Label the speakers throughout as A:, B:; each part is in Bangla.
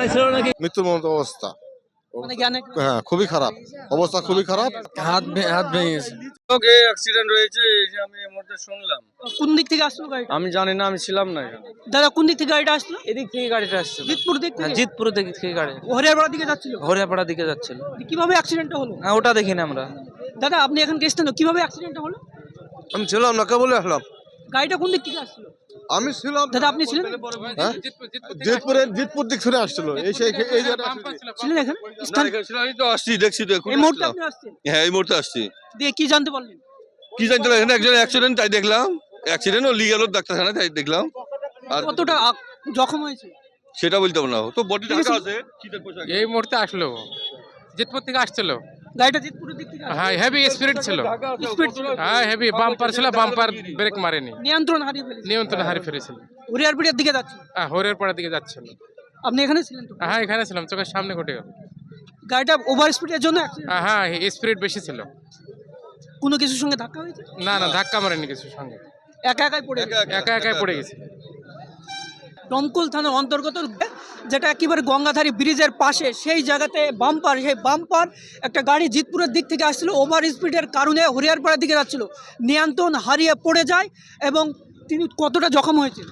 A: জানা ছিল নাকি?
B: মৃত্যুর মতো অবস্থা।
C: মানে জ্ঞানে
B: হ্যাঁ, খুবই খারাপ অবস্থা, খুবই খারাপ।
D: হাত ভেঙে গেছে।
E: অ্যাক্সিডেন্ট হয়েছে আমি এই মুহূর্তে শুনলাম।
C: কোন দিক থেকে আসলো গাড়িটা?
E: আমি জানি না, আমি ছিলাম না এখানে।
C: দাদা কোন দিক থেকে গাড়িটা আসলো?
D: এদিক থেকে গাড়িটা আসছে।
C: জিতপুর দিক থেকে?
D: জিতপুর দিক থেকে গাড়ি
C: হরিয়ারপাড়া দিকে যাচ্ছিল।
D: হরিয়াপাড়া দিকে যাচ্ছিল।
C: কিভাবে অ্যাক্সিডেন্টটা হলো?
D: হ্যাঁ, ওটা দেখিনি আমরা।
C: দাদা আপনি এখন গেছেন তো, কিভাবে অ্যাক্সিডেন্টটা হলো?
B: আমি ছিলাম না, কেবল আসলাম।
C: গাড়িটা কোন দিক থেকে আসছিল?
B: আমি ছিলাম।
C: দাদা আপনি ছিলেন?
B: হ্যাঁ, জিতপুর দিক ফিরে আসছিল। এই জায়গাটা
C: ছিলেন এখানে? স্থান
E: আমি তো আসছি, দেখছি তো এখন
C: এই মুহূর্তে
E: আসলাম।
C: আপনি আসছেন?
E: হ্যাঁ, এই মুহূর্তে আসছি।
C: দিয়ে কি জানতে পারলেন?
E: কি জানতে পারি, এখানে একজন অ্যাক্সিডেন্ট তাই দেখলাম। অ্যাক্সিডেন্ট ও লিয়ে গেল ডাক্তারখানায়, তাই দেখলাম। আর
C: কতটা জখম হয়েছে?
E: সেটা বলতে পারবো না, তো বডি ঢাকা আছে। শীতের পোশাক।
F: এই মুহূর্তে আসলো, জিতপুর থেকে আসছিল।
C: গাড়িটা জিতপুরের দিক থেকে আসছিল?
F: হ্যাঁ, হেভি স্পিড ছিল।
C: স্পিড ছিল?
F: হ্যাঁ, হেভি বাম্পার ছিল, বাম্পার ব্রেক মারেনি,
C: নিয়ন্ত্রণ হারিয়ে ফেলেছে?
F: নিয়ন্ত্রণ হারিয়ে ফেলেছিল।
C: হরিয়ারপাড়ার দিকে যাচ্ছিল?
F: হ্যাঁ, হরিয়ার পাড়ার দিকে যাচ্ছিল।
C: আপনি এখানে ছিলেন তো?
F: হ্যাঁ, এখানে ছিলাম, চোখের সামনে ঘটে গেল।
C: গাড়িটা ওভার স্পিডের জন্য accident?
F: হ্যাঁ, স্পিড বেশি ছিল।
C: কোনো কিছুর সঙ্গে ধাক্কা হয়েছে?
F: না না, ধাক্কা মারেনি কিছুর সঙ্গে,
C: একা একাই পড়ে গেছে?
F: একা একাই পড়ে গেছে।
C: দমকল থানার অন্তর্গত, যেটা একেবারে গঙ্গাধারী ব্রিজের পাশে, সেই জায়গাতে বাম্পার একটা গাড়ি জিতপুরের দিক থেকে আসছিল, ওভার স্পিডের কারণে হরিয়ারপাড়ার দিকে যাচ্ছিল, নিয়ন্ত্রণ হারিয়ে পড়ে যায় এবং তিনি কতটা জখম হয়েছে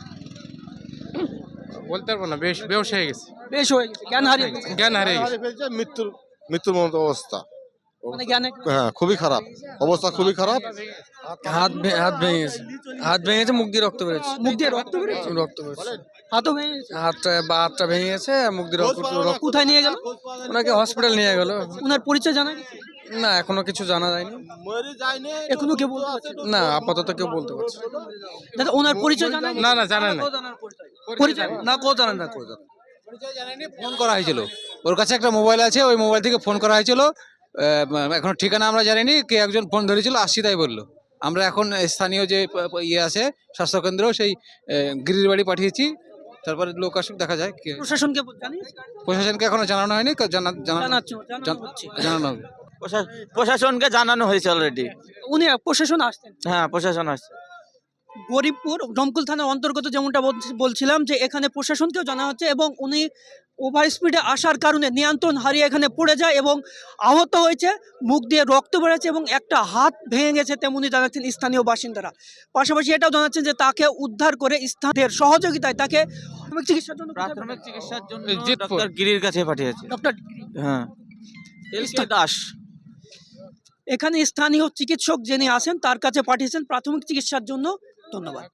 F: বলতে পারবো না, বেশ হয়ে গেছে,
C: বেশ হয়ে গেছে, জ্ঞান হারিয়ে গেছে।
F: জ্ঞান হারিয়ে গেছে।
B: ফেলছে, মৃত্যুর মতো অবস্থা।
C: মানে জ্ঞানে
B: হ্যাঁ, খুবই খারাপ অবস্থা, খুবই খারাপ।
D: হাত ভেঙে গেছে। হাত ভেঙে গেছে, মুখ দিয়ে রক্ত বেরোচ্ছে।
C: মুখ দিয়ে রক্ত বেরোচ্ছে?
D: রক্ত বেরোচ্ছে।
C: হাতও ভেঙে গেছে?
D: হাতটা ভেঙে গেছে, মুখ দিয়ে রক্ত।
C: কোথায় নিয়ে গেল?
D: ওনাকে হসপিটাল নিয়ে গেল।
C: ওনার পরিচয় জানা গেছে?
D: না, এখনো কিছু জানা যায়নি।
C: এখনো কেউ বলতে পারছে না?
D: না, আপাতত কেউ বলতে পারছে না।
C: দাদা ওনার পরিচয় জানা গেছে?
F: না না, জানা না।
C: পরিচয়
G: না, কেউ জানে না, ফোন করা হয়েছিল, ওর কাছে একটা মোবাইল আছে, ওই মোবাইল থেকে ফোন করা হয়েছিল। এখন ঠিকানা আমরা জানিনি, কে একজন ফোন ধরেছিল, আসছি তাই বললো। আমরা এখন স্থানীয় যে ইয়ে আছে স্বাস্থ্যকেন্দ্র, সেই গিরির বাড়ি পাঠিয়েছি, তারপরে লোক আসুক, দেখা যায়।
C: প্রশাসনকে জানিস?
G: প্রশাসনকে এখনো জানানো হয়নি, জানানো হবে।
D: প্রশাসনকে জানানো হয়েছে অলরেডি।
C: উনি প্রশাসন আসতেন?
D: হ্যাঁ, প্রশাসন আসছে।
C: গরিবপুর দমকল থানার অন্তর্গত, যেমনটা বলছিলাম, যে এখানে প্রশাসনকেও জানা হচ্ছে এবং উনি ওভার স্পিডে আসার কারণে নিয়ন্ত্রণ হারিয়ে এখানে পড়ে যায় এবং আহত হয়েছে, মুখ দিয়ে রক্ত বেরোচ্ছে এবং একটা হাত ভেঙে গেছে, তেমনি জানাচ্ছেন স্থানীয় বাসিন্দারা। পাশাপাশি এটাও জানাচ্ছেন যে তাকে উদ্ধার করে স্থানীয় সহযোগিতায় তাকে
D: প্রাথমিক চিকিৎসার জন্য
F: জিতপুর
D: ডক্টর গিরির কাছে পাঠিয়েছে।
C: ডক্টর
D: হ্যাঁ, দাস।
C: এখানে স্থানীয় চিকিৎসক যিনি আছেন তার কাছে পাঠিয়েছেন প্রাথমিক চিকিৎসার জন্য। ধন্যবাদ।